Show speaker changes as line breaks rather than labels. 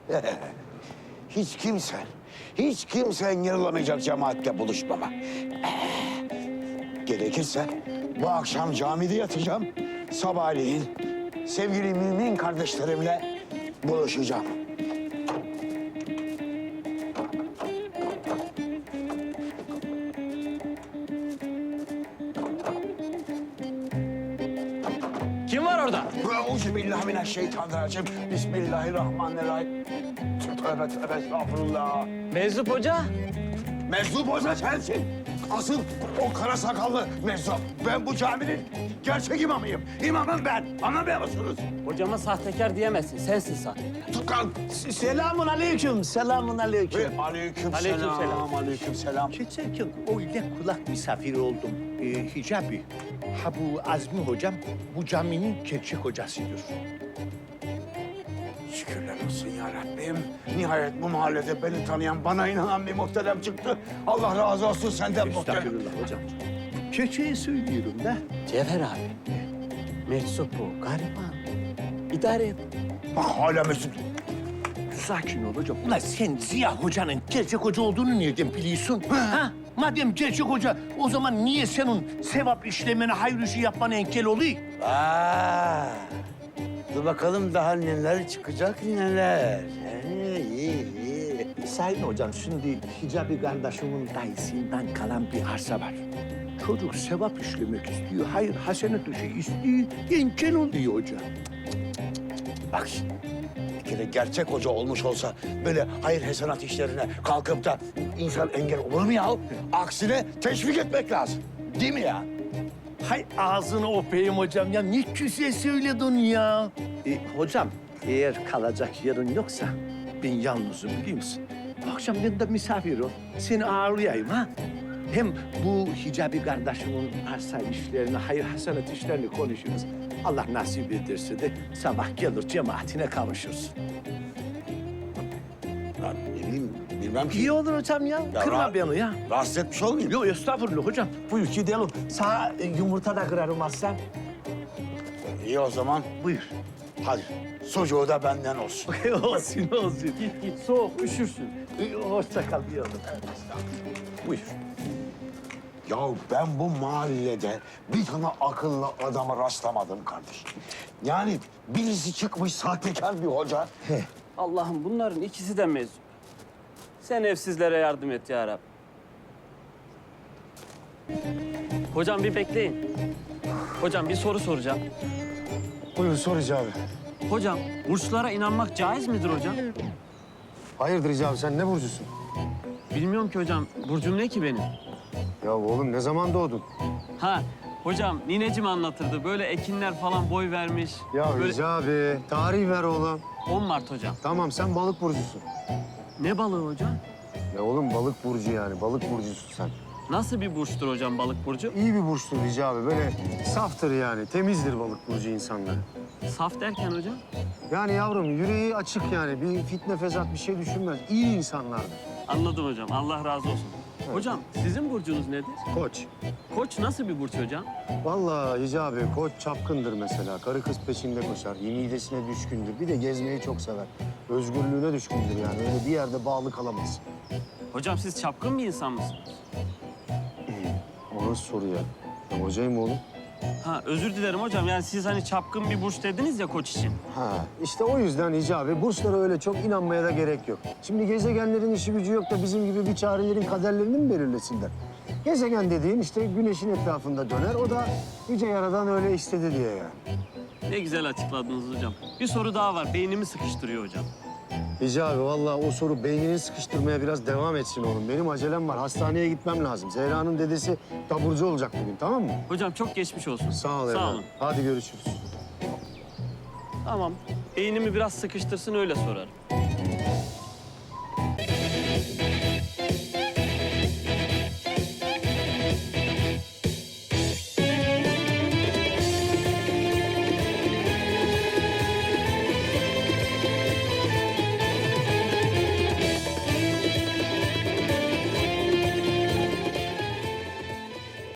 Hiç kimse engel olamayacak cemaatle buluşmama. Gerekirse bu akşam camide yatacağım. Sabahleyin sevgili mümin kardeşlerimle buluşacağım.
Kim var orada?
Euzubillahimineşşeytanirracim. Bismillahirrahmanirrahim. Tövbe tövbe estağfurullah.
Meczup Hoca.
Meczup Hoca sensin. Asıl o kara sakallı meczup. Ben bu caminin gerçek imamıyım. İmamım ben. Anlamıyor musunuz?
Hocama sahtekar diyemezsin. Sensin sahtekar.
Tukan.
Selamun aleyküm, selamun aleyküm.
Aleyküm
Aleykümselam.
selam. Aleyküm selam.
Geçen gün öyle kulak misafiri oldum. Hicabi, ha bu Azmi hocam bu caminin gerçek hocasıdır.
Şükürler olsun ya Rabbim. Nihayet bu mahallede beni tanıyan, bana inanan bir muhterem çıktı. Allah razı olsun senden muhterem.
Estağfurullah hocam. Gerçeği söylüyorum da.
Cevher abi. Meczup bu. Gariban. İdare et.
Bak hala Mesut.
Sakin ol hocam. Ulan sen Ziya hocanın gerçek hoca olduğunu nereden biliyorsun? Ha? Madem gerçek hoca, o zaman niye senin sevap işlemene, hayır işi yapmana engel oluyor?
Dur bakalım daha neler çıkacak neler. İyi.
Sayın hocam, şimdi Hicabi kardeşimin dayısından kalan bir arsa var. Çocuk sevap işlemek istiyor, hayır hasenet işi istiyor, engel oluyor hocam.
Bak şimdi, bir kere gerçek hoca olmuş olsa böyle hayır hasenat işlerine kalkıp da insan engel olur mu ya? Aksine teşvik etmek lazım. Değil mi ya?
Hay ağzını öpeyim hocam ya, ne güzel söyledin ya. Hocam, eğer kalacak yerin yoksa ben yalnızım biliyor musun? Akşam ben de misafir ol, seni ağırlayayım ha. Hem bu Hicabi kardeşimin arsa işlerini, hayır hasenat işlerini konuşuruz. Allah nasip ederse de sabah gelir cemaatine kavuşursun.
Ya ne bileyim, bilmem ki.
İyi olur hocam ya, kırma
ra-
beni ya.
Rahatsız etmiş olmayayım.
Yok estağfurullah hocam. Buyur gidelim. Sana yumurta da kırarım aslan.
İyi o zaman.
Buyur.
Hadi. Sucuğu da benden olsun.
olsun.
Git soğuk üşürsün.
Hoşça kal bir oğlum. Buyur.
Ya ben bu mahallede bir tane akıllı adama rastlamadım kardeşim. Yani birisi çıkmış sahtekar bir hoca.
Allah'ım bunların ikisi de meczup. Sen evsizlere yardım et ya Rabbi. Hocam bir bekleyin. Hocam bir soru soracağım.
Buyur sor Hicabi.
Hocam burçlara inanmak caiz midir hocam?
Hayırdır Hicabi sen ne burcusun?
Bilmiyorum ki hocam. Burcum ne ki benim?
Ya oğlum ne zaman doğdun?
Ha hocam ninecim anlatırdı. Böyle ekinler falan boy vermiş.
Ya
Böyle...
Hicabi tarih ver oğlum.
10 Mart hocam.
Tamam sen balık burcusun.
Ne balığı hocam?
Ya oğlum balık burcu yani balık burcusun sen.
Nasıl bir burçtur hocam balık burcu?
İyi bir burçtur Hicabi böyle saftır yani temizdir balık burcu insanları.
Saf derken hocam?
Yani yavrum yüreği açık yani bir fitne fesat bir şey düşünmez. İyi insanlardır.
Anladım hocam. Allah razı olsun. Hocam sizin burcunuz nedir?
Koç.
Koç nasıl bir burç hocam?
Vallahi Hicabi koç çapkındır mesela. Karı kız peşinde koşar. Midesine düşkündür. Bir de gezmeyi çok sever. Özgürlüğüne düşkündür yani. Öyle bir yerde bağlı kalamaz.
Hocam siz çapkın bir insan mısınız?
O nasıl soru ya? Ben hocayım oğlum.
Ha özür dilerim hocam. Yani siz hani çapkın bir burç dediniz ya koç için.
Ha, işte o yüzden Hicabi burçlara öyle çok inanmaya da gerek yok. Şimdi gezegenlerin işi gücü yok da bizim gibi bir çarelerin kaderlerini mi belirlesinler? Gezegen dediğin işte güneşin etrafında döner. O da Yüce Yaradan öyle istedi diye yani.
Ne güzel açıkladınız hocam. Bir soru daha var. Beynimi sıkıştırıyor hocam.
Hicabi vallahi o soru beynini sıkıştırmaya biraz devam etsin oğlum. Benim acelem var. Hastaneye gitmem lazım. Zehra'nın dedesi taburcu olacak bugün tamam mı?
Hocam çok geçmiş olsun.
Sağ ol
Sağ
evladım.
olun.
Hadi görüşürüz.
Tamam. Beynimi biraz sıkıştırsın öyle sorarım.